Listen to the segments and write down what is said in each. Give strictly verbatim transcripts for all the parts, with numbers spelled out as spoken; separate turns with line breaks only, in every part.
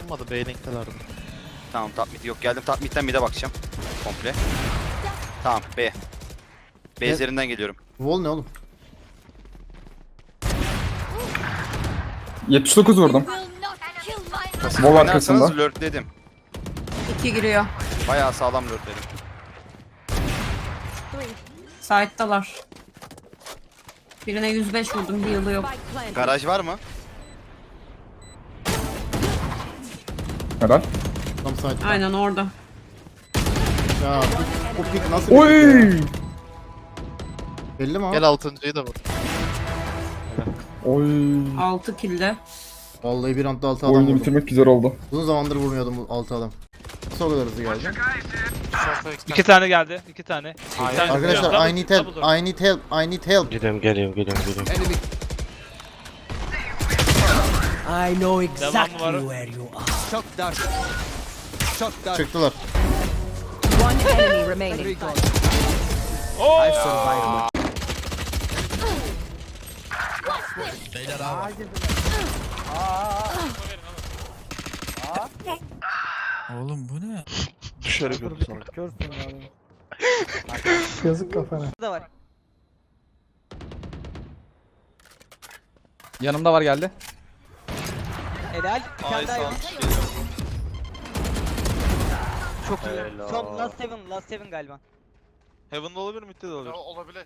açılmadı. B-Link'telerdi.
Tamam top mid yok, geldim top mid'den mid'e bakacağım. Komple. Tamam B. B üzerinden geliyorum.
Wall ne oğlum?
yetmiş dokuz vurdum. Bol arkasında.
Lurkledim.
İki giriyor.
Bayağı sağlam lurkledim.
Side'dalar. Birine yüz beş vurdum, bir yılı yok.
Garaj var mı?
Helal.
Tam site.
Aynen orada.
Ya bu, bu pick nasıl bir
Oy!
pick ya? Belli mi abi?
Gel altıncıyı da vur.
Oy.
altı kilde.
Vallahi bir anda altı adam
Oyunu
vurdum.
bitirmek güzel oldu.
Uzun zamandır vurmuyordum bu altı adam. Nasıl o kadar hızlı geldi?
İki tane geldi. iki tane. Bir tane
Arkadaşlar
double-
I need help,
double door.
I need help, I need help.
Geliyorum geliyorum geliyorum geliyorum.
I know
Devamı
exactly
var.
where you are.
Çıktılar.
One enemy remaining.
Oo!
Oğlum bu ne?
Dışarı götürsün.
Yazık kafana.
Yanımda var geldi.
Helal. Bir tane daha yok. Çok iyi. Son last seven, last seven galiba.
Heaven'da olabilir, mid'de de olabilir.
Olabilir.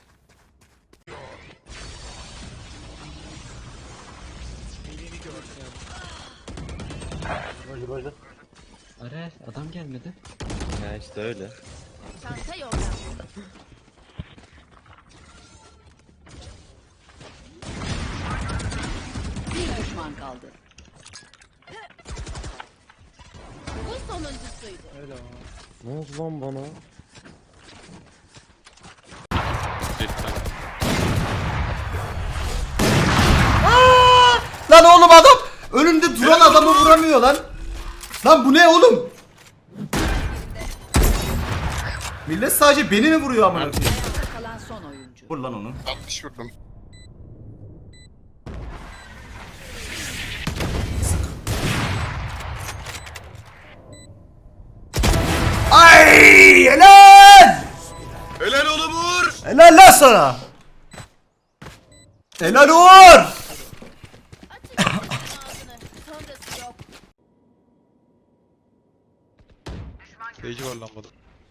Ares adam gelmedi. Ya işte öyle.
Çanta yolda. Bir düşman kaldı. Bu sonuncusuydu.
Ne oldu lan bana?
Lan oğlum adam önümde duran adamı vuramıyor lan. Lan bu ne oğlum? Millet sadece beni mi vuruyor amına koyayım?
Kalan son oyuncu.
Vur lan onu.
altmış vurdum.
Ay helal!
Helal oğlum vur!
Helal lan sana! Helal Uğur!
Sonrası yok.
Seyirci var lan burada.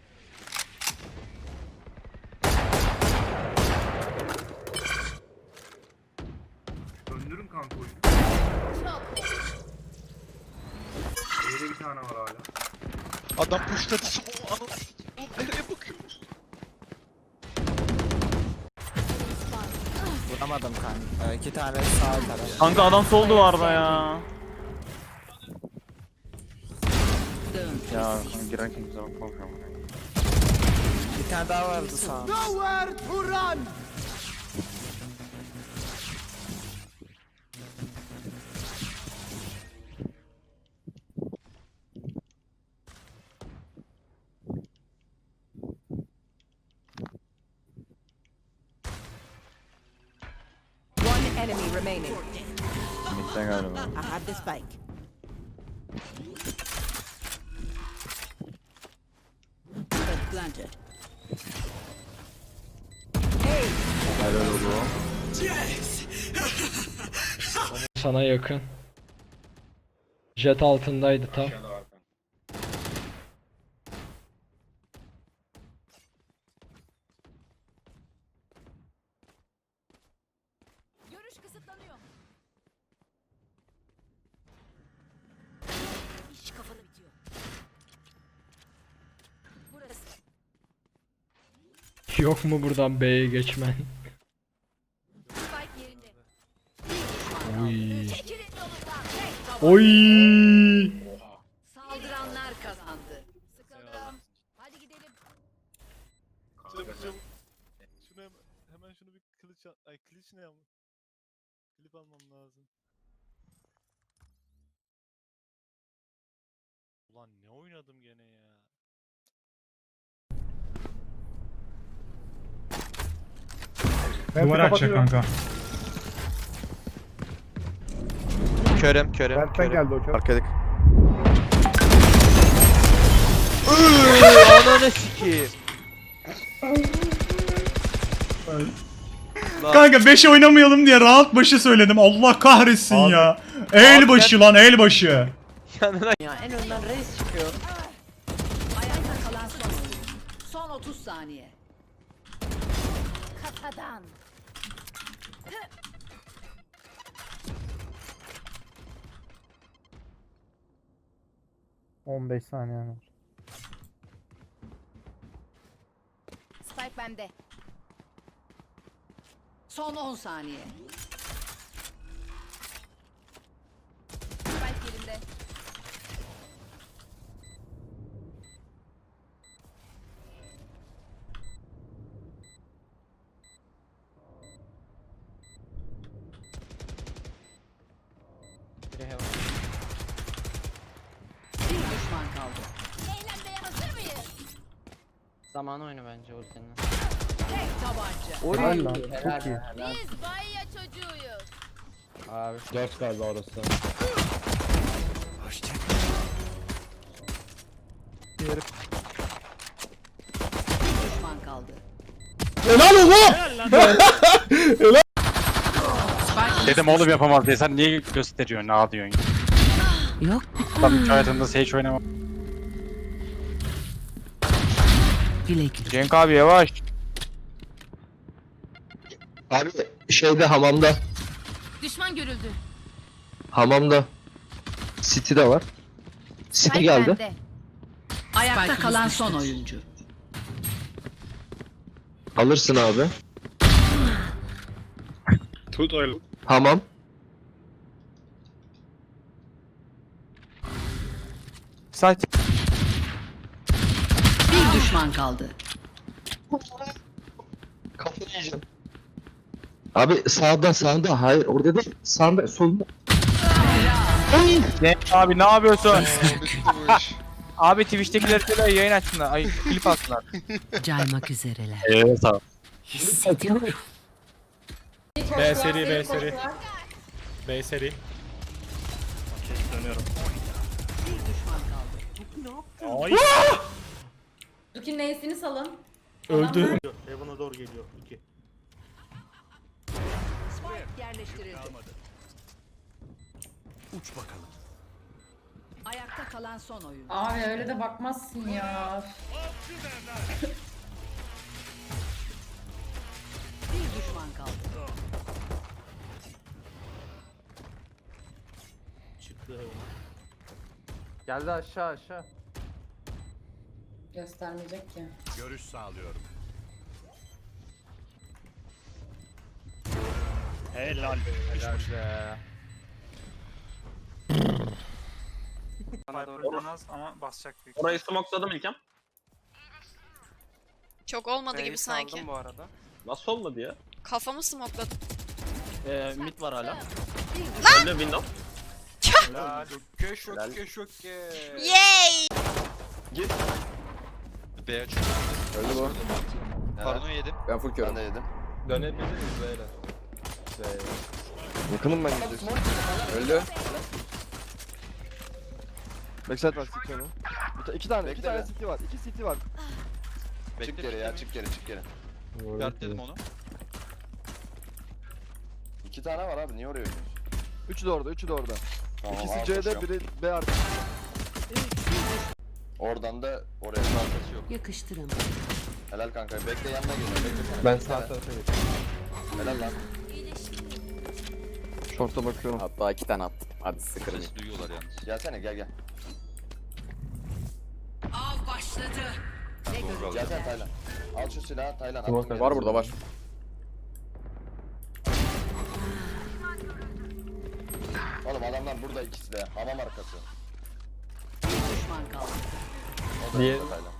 Döndürün kanka oyunu. Evde bir tane var hala.
Adam pushladı. O anı. O nereye bakıyor?
Vuramadım kanka. İki tane sağ taraf.
Kanka adam sol duvarda ya.
Ya girerken güzel bakmam.
Bir tane daha vardı sağ.
One enemy remaining.
Midden galiba.
I have the spike. Spike planted.
Helal oldu.
Sana yakın. Jet altındaydı tam.
Görüş kısıtlanıyor. İş kafanı bitiyor. Burası.
Yok mu buradan B'ye geçmen?
Spike yerinde.
Oy.
Çekilin yolundan. Tek taban.
Oy.
Saldıranlar kazandı. Sıkıldım. Hadi gidelim.
Şunu, şunu, şunu hemen, hemen şunu bir kılıç al. Ay kılıç ne ama? Klip almam lazım. Ulan ne oynadım gene ya.
Duvar açacak kanka.
Körem körem.
Berk'ten geldi o kör.
Arkadık.
Ananı sikeyim.
Kanka beşe oynamayalım diye round başı söyledim. Allah kahretsin
Abi.
ya. El
Abi
başı lan el başı.
Yanına ya en önden reis çıkıyor.
Ayakta kalan son oyuncu. Son otuz saniye. Kafadan.
on beş saniye var.
Spike bende. Son on saniye. Spike yerinde. Bir düşman kaldı. Eğlenmeye hazır mıyız?
Zaman oyunu bence ultinin.
Tek tabanca.
Oy.
Helal lan, çok iyi.
Biz Bayya çocuğuyuz.
Abi.
dört galiba orası.
Bir düşman kaldı.
Helal oğlum.
Dedim oğlum yapamaz diye sen niye gösteriyorsun ne diyorsun?
Yok.
Tam hiç hayatında Sage oynamam.
Bilek.
Cenk abi yavaş.
Abi şeyde hamamda.
Düşman görüldü.
Hamamda. City'de var. City geldi.
Ayakta kalan son oyuncu.
Alırsın abi.
Tut öyle.
Hamam.
Site.
Bir düşman kaldı.
Kafayı yiyeceğim. Abi sağda sağda hayır orada değil sağda solda.
Cenk abi ne yapıyorsun?
Bitti bu iş.
Abi Twitch'tekileri de yayın açsınlar. Ay klip atsınlar.
Caymak üzereler.
Evet abi.
Hissediyorum.
B seri B seri. B seri. Dönüyorum. Ay.
Duki neyesini salın.
Öldü. Heaven'a doğru geliyor. iki.
Spike yerleştirildi.
Uç bakalım.
Ayakta kalan son oyuncu.
Abi öyle de bakmazsın ya.
Bir düşman kaldı.
Çıktı Heaven'a.
Geldi aşağı aşağı.
Göstermeyecek ki.
Görüş sağlıyorum. Helal be.
Helal be.
Bana doğru dönmez ama basacak büyük.
Orayı smokeladım İlkem.
Çok olmadı gibi sanki.
bu arada.
Nasıl olmadı ya?
Kafamı smokladım.
Ee, mid var hala.
Lan!
Window.
Helal.
Köş yok köş yok.
Yay!
B aç.
Öldü bu.
Paranoya yedim.
Ben full körüm.
Ben de yedim.
Dönebiliriz böyle.
Yakınım ben gidiyorsun.
Öldü.
Backside var City onu. İki tane
Bekle
iki tane
be.
City var. İki City var.
Çık geri ya çık geri çık geri. Guard dedim onu.
İki tane var abi niye oraya oynuyorsun? Üçü de orada, üçü de orada.
Tamam,
İkisi
al,
C'de,
koşuyorum.
biri B artı.
Oradan da oraya arkası yok.
Yakıştırın.
Helal kanka. Bekle yanına geliyor. Bekle sen.
Ben
Bekle.
sağ tarafa geçtim.
Helal lan.
Short'a bakıyorum.
Hatta iki tane attım. Hadi sıkırım.
Ses duyuyorlar yalnız. Gelsene gel gel.
Av başladı.
Doğru Gelsene Taylan. Al şu silahı Taylan. attım
Var
yere.
Var burada var.
Oğlum adamlar burada ikisi de. Hamam arkası.
Bir düşman kaldı.
O da
Niye?
burada Taylan.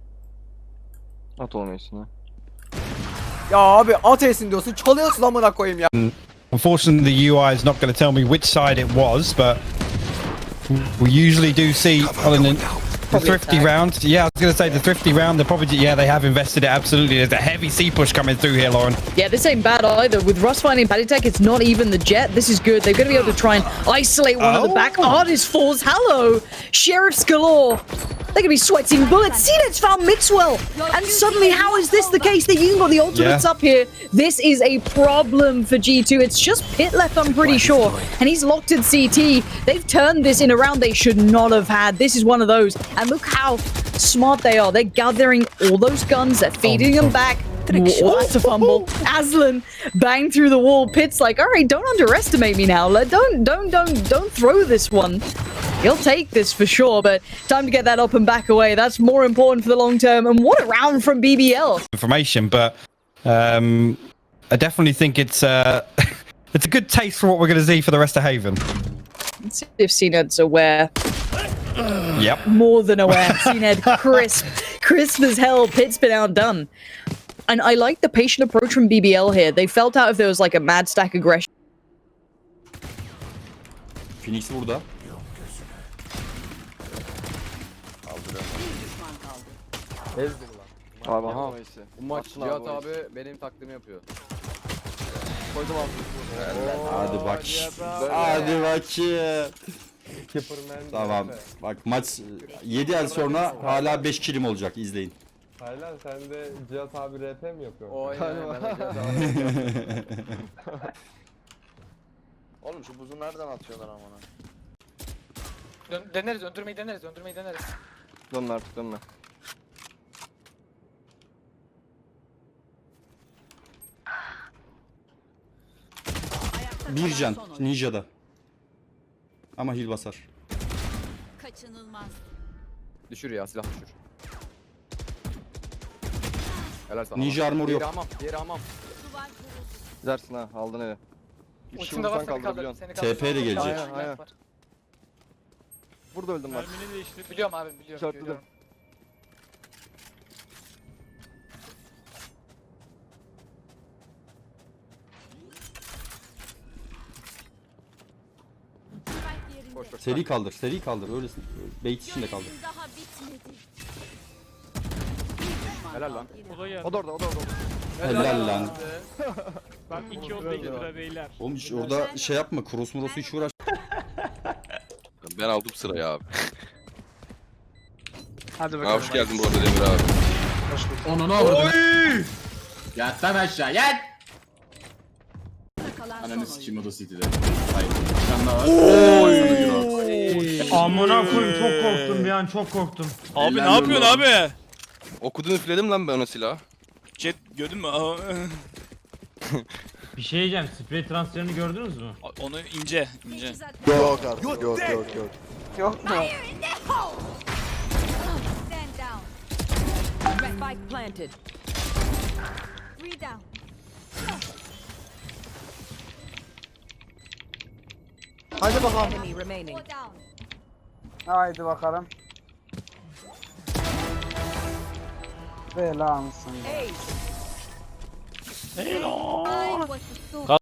At olmayasın ha.
Ya abi at etsin diyorsun çalıyorsun amına koyayım ya.
Unfortunately, the U I is not going to tell me which side it was, but we usually do see on the, the thrifty round. Yeah, I was going to say the thrifty round. They probably yeah they have invested it absolutely. There's a heavy C push coming through here, Lauren.
Yeah, this ain't bad either. With Russ finding Paddy Tech, it's not even the jet. This is good. They're going to be able to try and isolate one at the back. Artist falls. Hello, Sheriff's galore.
They're gonna be sweating bullets. C NED's found Mixwell, and suddenly, how is this the case? They even got the ultimates
Yeah.
up here. This is a problem for G two. It's just Pit left, I'm pretty sure, and he's locked in C T. They've turned this in a round they should not have had. This is one of those, and look how smart they are. They're gathering all those guns. They're feeding them back. Oh, that's a fumble. Aslan banged through the wall. Pit's like, all right, don't underestimate me now. Let- Don't, don't, don't, don't throw this one. He'll take this for sure, but time to get that up and back away. That's more important for the long term. And what a round from B B L.
Information, but um, I definitely think it's uh, it's a good taste for what we're going to see for the rest of Haven.
Let's see if C NED's aware.
Yep.
More than aware. C NED crisp. Crisp as hell. Pit's been outdone. And I like the patient approach from B B L here. They felt out if there was like a mad stack aggression.
Phoenix burada.
Abi
aha.
Bu maç Cihat abi benim taklidimi yapıyor. Koydum abi.
Hadi bak. Hadi bakayım. Tamam. Bak maç yedi el sonra hala beş kilim olacak. İzleyin.
Taylan sen de Cihat abi R P mi yapıyorsun? O Oğlum şu buzu nereden atıyorlar amına?
Dön deneriz, öldürmeyi deneriz, öldürmeyi deneriz.
Dönme artık dönme.
Bir can. Ninja'da. Ama heal basar.
Kaçınılmaz.
Düşür ya silah düşür. Helal sana.
Ninja armor yok.
Yeri amam, yeri amam. Gidersin ha, aldın evi. Bir şey
Ultim de var,
vursan
seni kaldır,
kaldırabiliyorsun.
seni kaldır.
T P de gelecek.
Aynen, aynen. Burada öldüm bak.
Biliyorum abi, biliyorum,
İşaretledim.
biliyorum.
Koş koş.
Seri kaldır. Seri kaldır. Öylesin. Bait içinde kaldır.
Daha bitmedi.
Helal lan.
O da geldi.
O da orada, o da orada.
Helal lan.
Bak iki oldu iki lira beyler.
Oğlum hiç orada şey yapma. Cross morosu hiç uğraş.
Ben aldım sırayı abi.
Hadi bakalım.
Hoş geldin bu arada Demir abi.
Onu ne vurdu? Yat lan aşağı yat. Ananı sikeyim o da City'de. Hayır. Bir tane daha var.
Amına koyayım çok korktum bir an çok korktum.
Abi ne yapıyorsun abi? Okudun üfledim lan ben ona silahı. Chat gördün mü?
Bir şey diyeceğim sprey transferini gördünüz mü?
Onu ince ince.
Yok artık, yok yok yok.
Yok mu?
Stand down. Spike planted. Three down.
Hadi bakalım.
Enemy remaining. Four down.
Haydi bakalım. Bela mısın?
Ace. I was the